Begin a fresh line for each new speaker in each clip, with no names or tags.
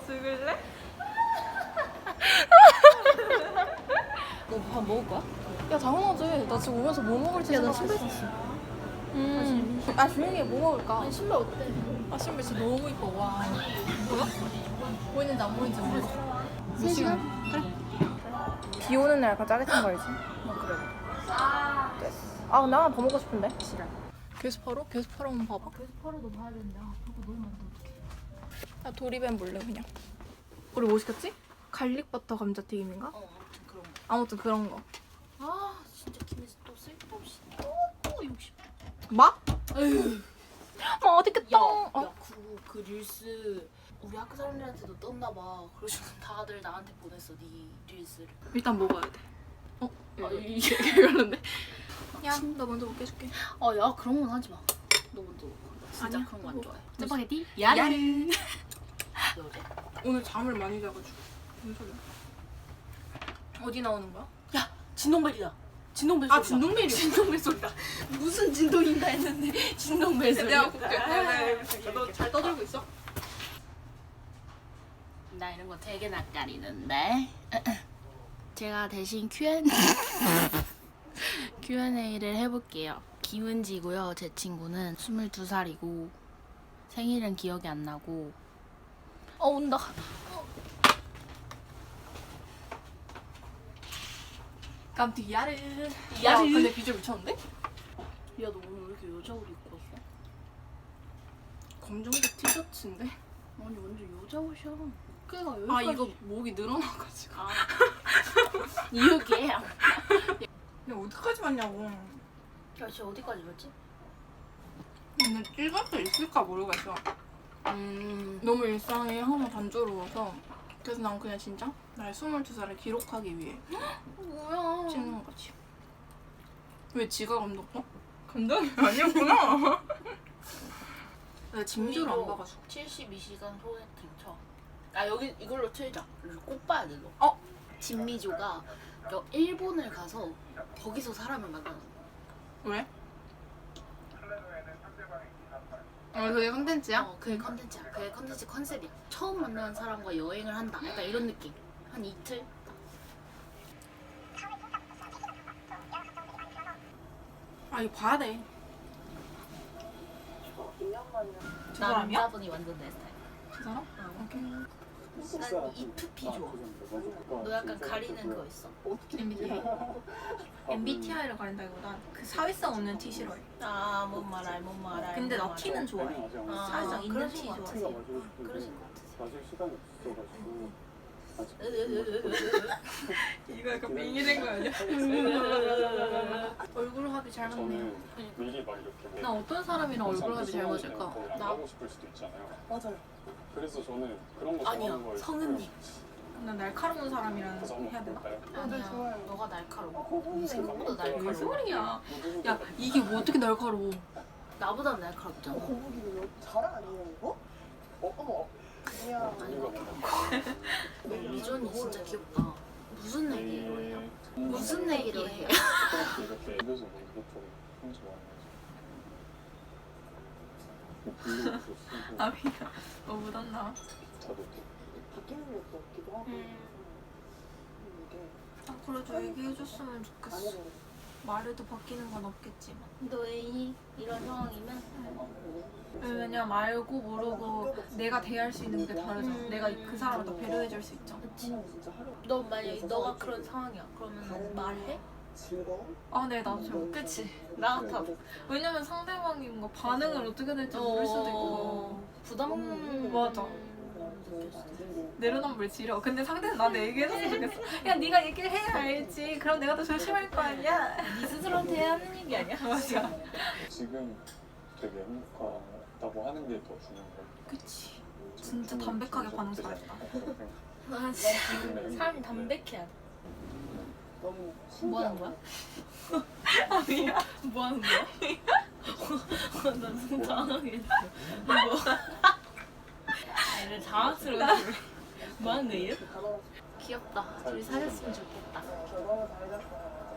죽을래?
너 밥 먹을 거야?
야 당연하지. 나 지금 오면서 뭐 먹을지
야, 나
생각했어.
신발 샀어.
아 조용히 해. 뭐 먹을까?
아니, 신발 어때?
아 신발 진짜 너무 이뻐. 와. 뭐야? 보이는지 안 보이는지 모르겠어.
3시간?
그래. 비 오는 날 약간 짜릿한 거 알지?
그래.
됐어. 아 근데 하나 더 먹고 싶은데. 싫어. 게스파로? 게스파로 한번 봐봐.
그래서 팔아도 봐야 되는데 그거 너무 많다 어떡해.
나 도리뱀 볼래 그냥. 우리 뭐 시켰지? 갈릭 버터 감자튀김인가?
아무튼 그런 거.
아무튼 그런 거.
아 진짜 김혜수 또 쓸데없이 또 욕심.
막?
에휴.
어딨겠다.
그 릴스 우리 학교 사람들한테도 떴나 봐. 그래서 다들 나한테 보냈어 네 릴스를.
일단 먹어야 돼.
이게
별론데? 야, 너 먼저 먹게 해줄게.
야 그런 건 하지 마. 너 먼저 먹어. 나 진짜
아니야,
그런 거 안
뭐.
좋아해. 짜파게티?
야르.
어제?
오늘 잠을 많이 자가지고. 무슨 소리야? 어디 나오는 거야?
야 진동벨이다. 진동벨
아,
소리다.
진동벨이야.
진동벨 소리다. 무슨 진동인가 했는데 진동벨 소리.
내가 볼게. 너 잘 떠들고 있어?
나 이런 거 되게 낯가리는데. 제가 대신 Q&A를 해볼게요. 김은지고요. 제 친구는 22살이고 생일은 기억이 안 나고. 온다.
깜짝이야르.
야르.
근데 비주얼 미쳤는데?
야 너 오늘 왜 이렇게 여자 옷 입고 왔어?
검정색 티셔츠인데?
아니 완전 여자 옷이야. 어깨가 여기까지.
아 이거 목이 늘어나가지고.
아. 이게. 야
야 어디까지 왔냐고.
진짜 어디까지 갔지?
근데 찍을 수 있을까 모르겠어. 너무 일상이 항상 단조로워서. 그래서 난 그냥 진짜 나의 22살을 기록하기 위해
뭐야?
찍는 거지. 왜 지가 감독어? 감독이 아니었구나. 내가 진주를 안 봐가지고.
72시간 소개팅 쳐. 아 여기 이걸로 틀자. 꼭 봐야 돼 너.
어?
진미조가 일본을 가서 거기서 사람을 만나는 거야.
왜? 그게 컨텐츠야?
그게 컨텐츠야. 그게 컨텐츠 컨셉이야. 처음 만나는 사람과 여행을 한다. 약간 이런 느낌. 한 이틀?
아 이거 봐야 돼. 저 사람이야?
남자분이 완전 내 스타일.
저 사람? 오케이.
난 E2P 좋아. 너 약간 가리는 그거 있어?
MBTI. MBTI를 가린다기보다 그 사회성 없는 T 싫어해.
뭔 말할.
근데 나 T는 좋아해. 사회성 있는
그러신
T
것
좋아해.
같아. 그러신 것 같아.
사실 시간이 없어가지고
이거 약간 빙의된 거 아니야? 얼굴 합이 잘 맞네요.
저는 미리 막 이렇게
나 어떤 사람이랑 얼굴 합이 잘 맞을까?
나 하고 싶을 수도 있잖아요.
맞아요.
그래서 저는 그런 거
아니야,
좋아하는 걸
성은님.
난 날카로운 사람이랑
그래서 한번
해야 되나?
볼까요?
아니야. 너가 날카로워. 생각보다 날카로워.
무슨 소리야? 야 이게 뭐 어떻게 날카로워?
나보다 날카롭잖아.
거북이 자랑 아니에요 이거? 어머. 이야.
미존이 진짜 귀엽다. 무슨 얘기로 해요? 무슨 얘기로 해요?
이렇게 입에서 뭐 이것저것 혼자 좋아하는 거지.
아 미안. 너 묻었나?
저도
바뀌는 것도 없기도 하고. 이게
아 그래도 얘기해줬으면 좋겠어.
아니면
말해도 바뀌는 건 없겠지만.
너 애인이 이런 상황이면
왜냐면 알고 모르고 내가 대할 수 있는 게 다르잖아. 내가 그 사람을 더 배려해줄 수 있잖아.
진짜 하루
너 만약에 너가 그런 상황이야. 그러면 말해?
즐거움?
아, 네, 나도 잘 그치?
나 같아도.
왜냐면 상대방이 뭔가 반응을 어떻게 될지 모를 수도 있고.
부담.
맞아. 내려놓으면 지려. 근데 상대는 나한테 얘기해줬으면 좋겠어. 야, 네가 얘기를 해야 알지. 그럼 내가 더 조심할 거 아니야.
네 스스로한테 해야 하는 얘기 아니야?
맞아.
지금 되게 행복하다고 하는 게 더 중요한 거 같아요.
그치. 진짜 담백하게 반응 잘했다.
아, 진짜. 사람이 담백해야 돼.
너무
뭐 하는 거야?
아니야.
뭐 하는 거야? 나 진짜 당황했어. 뭐? 얘를 당황스러웠어. 뭐 하는 거예요? 귀엽다. 둘이 사귀었으면 좋겠다.
결과가 달렸어요.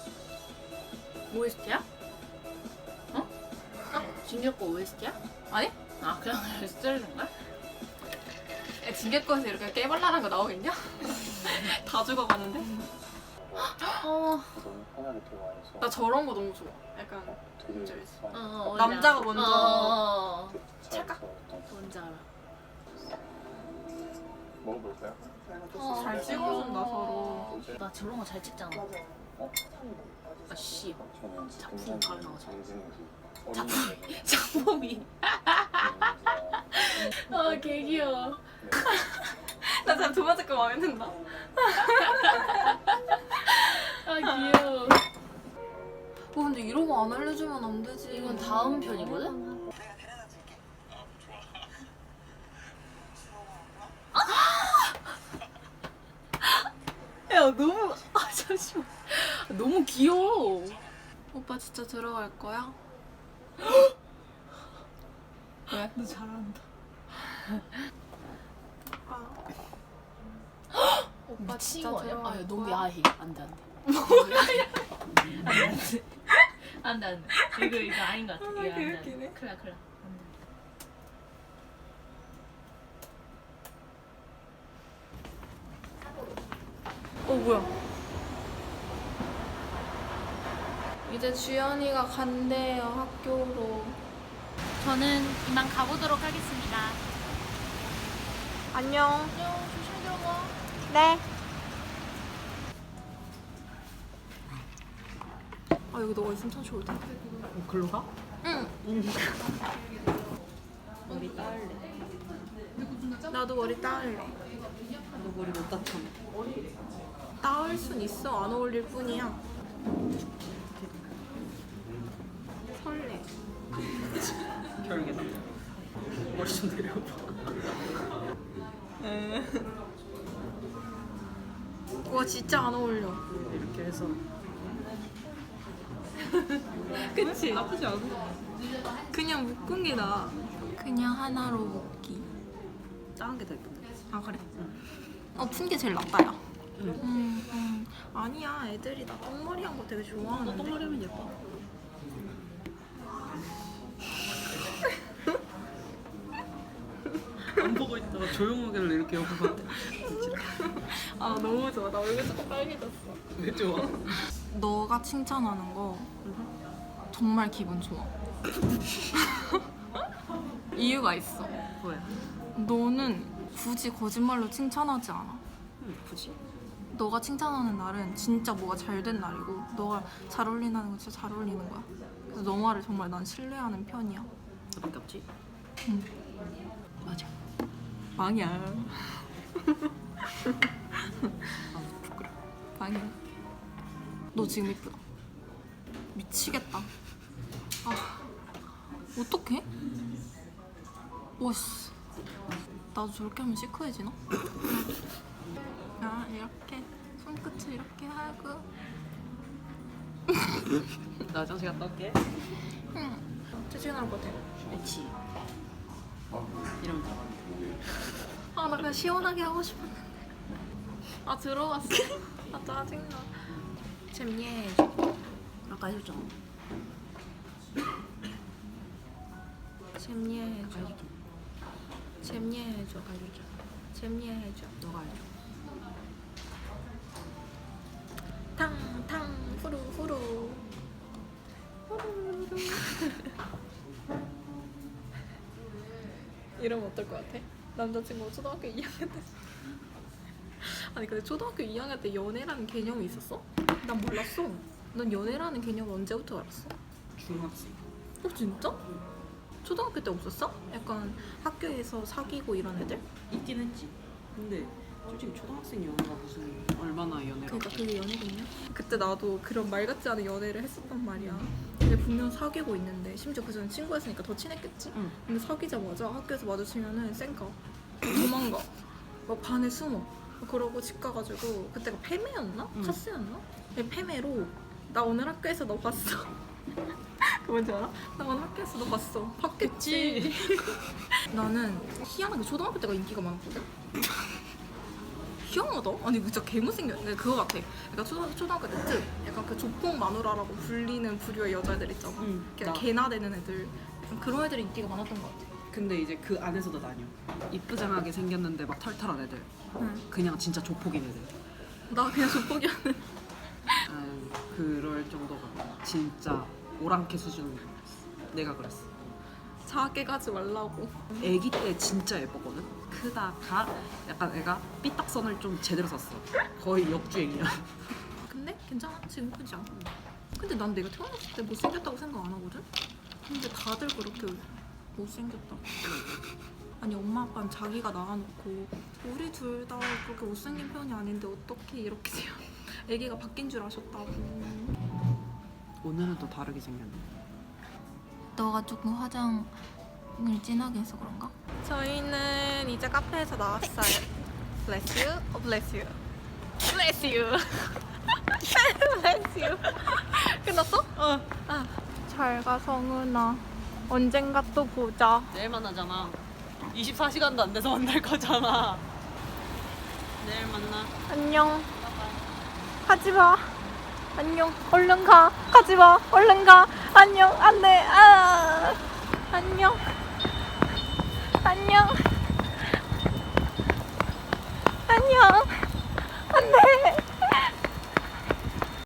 OST야? 어? 준혁 거 OST야?
아니?
아 그냥 스타일인 거야?
징계권에서 이렇게 깨발랄한 거 나오겠냐? 다 죽어가는데?
어.
너무 편하게 대화해서
나 저런 거 너무 좋아. 약간
되게
뭔지 알지?
많이
남자가 먼저
잘
찰까?
싸웠던
뭔지 알아.
먹어볼까요?
잘 찍어준다 서로.
나 저런 거 잘 찍잖아.
맞아.
어?
아 씨.
저는
작품 바로 나오죠.
장진기
장범이. 아, 개 귀여워.
나 진짜 두 번째 거 마음에 든다.
아, 귀여워.
근데 이런 거 안 알려주면 안 되지.
이건 다음 편이거든? 야, 너무. 아, 잠시만. 너무 귀여워.
오빠 진짜 들어갈 거야? 왜?
너 잘한다.
오빠
미친
진짜
거 아니야?
들어갈
아, 야, 너무
거야?
야해. 안 돼, 안 돼. 안 돼, 안 돼. 이거 아닌 것 같아. 이거 안 돼.
개웃기네.
큰일 나, 큰일 나.
뭐야? 이제 주연이가 간대요 학교로.
저는 이만 가보도록 하겠습니다.
안녕.
안녕, 조심히 들어가.
네. 아 여기 너가 있으면 참 좋을 텐데.
글로 가?
응.
머리 따을래.
나도 머리 따을래.
너 머리 못 땄잖아.
따을 순 있어. 안 어울릴 뿐이야. 설레.
결국에 머리 좀 내려봐.
와 진짜 안 어울려.
이렇게 해서.
그치?
나쁘지 않아.
그냥 묶은 게 나아. 그냥 하나로 묶기.
작은 게 더 예쁜데.
아 그래? 푼 게 제일 낫다 야.
응.
아니야 애들이 나 똥머리 한 거 되게
너
좋아하는데.
똥머리 하면 예뻐. 안 보고 있다가 조용하길래 이렇게 옆에 봤대.
아 너무 좋아. 나 얼굴 조금 빨개졌어.
왜 좋아?
너가 칭찬하는 거 정말 기분 좋아. 이유가 있어.
뭐야?
너는 굳이 거짓말로 칭찬하지 않아.
응, 예쁘지?
너가 칭찬하는 날은 진짜 뭐가 잘 된 날이고 너가 잘 어울린다는 건 진짜 잘 어울리는 거야. 그래서 너 말을 정말 난 신뢰하는 편이야.
너밖에 없지?
응.
맞아.
망이야.
아, 부끄러워.
망이야. 너 지금 이쁘다. 미치겠다. 아 어떡해? 와씨. 나도 저렇게 하면 시크해지나? 야 이렇게 손끝을 이렇게 하고.
나 화장실 갔다 올게.
응. 퇴근 나올 것 같아.
그렇지. 이러면 돼.
아 나 그냥 시원하게 하고 싶었는데. 아 들어갔어. 아 짜증나. 잼예.
아까 해줬잖아.
잼예 해줘. 잼예 해줘. 잼예 해줘.
너가 해줘.
탕탕 후루 후루. 후루루. 이러면 어떨 것 같아? 남자친구가 초등학교 2학년 때. 아니 근데 초등학교 2학년 때 연애라는 개념이 있었어? 난 몰랐어. 넌 연애라는 개념을 언제부터 알았어?
중학생.
진짜? 초등학교 때 없었어? 약간 학교에서 사귀고 이런 애들?
있긴 했지. 근데 솔직히 초등학생 연애가 무슨 얼마나 연애라고.
그러니까 그게 연애겠냐? 그때 나도 그런 말 같지 않은 연애를 했었단 말이야. 근데 분명 사귀고 있는데 심지어 그 전에 친구였으니까 더 친했겠지?
응.
근데 사귀자마자 학교에서 마주치면은 쌩까 도망가. 막 반에 숨어. 그러고 집 가가지고 그때가 패매였나?
응.
카스였나? 네, 패매로 나 오늘 학교에서 너 봤어. 그 뭔지 알아? 나 오늘 학교에서 너 봤어. 봤겠지. 나는 희한하게 초등학교 때가 인기가 많았거든. 희한하다? 아니 진짜 개못생겼네. 그거 같아. 그러니까 초등학교 때쯤 약간 그 조폭 마누라라고 불리는 부류의 여자애들 있잖아.
응,
그냥
나.
개나 되는 애들. 약간 그런 애들이 인기가 많았던 것 같아.
근데 이제 그 안에서도 나뉘어. 이쁘장하게 생겼는데 막 털털한 애들.
응.
그냥 진짜 조폭인 애들.
나 그냥 족보기하는.
그럴 정도가 진짜 오랑캐 수준. 내가 그랬어.
작게 가지 말라고.
애기 때 진짜 예뻤거든. 크다가 약간 애가 삐딱선을 좀 제대로 썼어. 거의 역주행이야.
근데 괜찮아. 지금 크지 않아. 근데 난 내가 태어났을 때 못생겼다고 생각 안 하거든? 근데 다들 그렇게 못생겼다. 아니 엄마 아빠는 자기가 낳아놓고 우리 둘 다 그렇게 못생긴 편이 아닌데 어떻게 이렇게 돼요? 애기가 바뀐 줄 아셨다고.
오늘은 또 다르게 생겼네.
너가 조금 화장을 진하게 해서 그런가? 저희는 이제 카페에서 나왔어요. Bless you, oh, bless you, bless you, bless you. 끝났어? 어. 아, 잘 가 성은아. 언젠가 또 보자.
내일 만나잖아. 24시간도 안 돼서 만날 거잖아. 내일 만나.
안녕. 가지 마. 안녕. 얼른 가. 가지 마. 얼른 가. 안녕. 안 돼. 아. 안녕. 안녕. 안녕.